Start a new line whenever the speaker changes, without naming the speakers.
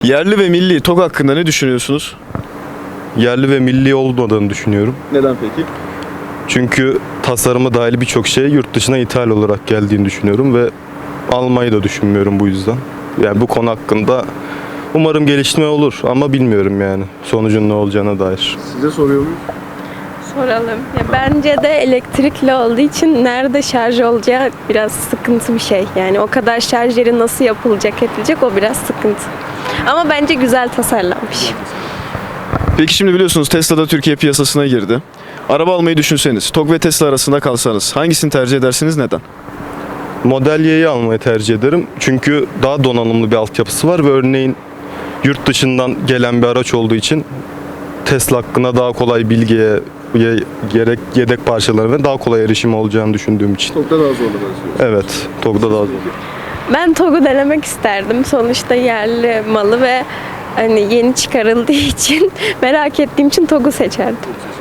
Yerli ve milli TOG hakkında ne düşünüyorsunuz?
Yerli ve milli olmadığını düşünüyorum.
Neden peki?
Çünkü tasarımı dahil birçok şey yurt dışına ithal olarak geldiğini düşünüyorum ve almayı da düşünmüyorum bu yüzden. Yani bu konu hakkında umarım gelişme olur ama bilmiyorum yani sonucun ne olacağına dair.
Size soruyor muyum?
Soralım. Ya bence de elektrikli olduğu için nerede şarj olacağı biraz sıkıntı bir şey. Yani o kadar şarj yeri nasıl yapılacak edilecek o biraz sıkıntı. Ama bence güzel tasarlanmış.
Peki şimdi biliyorsunuz Tesla da Türkiye piyasasına girdi. Araba almayı düşünseniz, TOG ve Tesla arasında kalsanız hangisini tercih edersiniz, neden?
Model Y'yi almayı tercih ederim. Çünkü daha donanımlı bir altyapısı var ve örneğin yurt dışından gelen bir araç olduğu için Tesla hakkında daha kolay bilgiye gerek yedek parçalarına daha kolay erişim olacağını düşündüğüm için.
TOG'da daha zorlu
Evet, TOG'da daha zor.
Ben TOG'u denemek isterdim. Sonuçta yerli malı ve hani yeni çıkarıldığı için merak ettiğim için TOG'u seçerdim.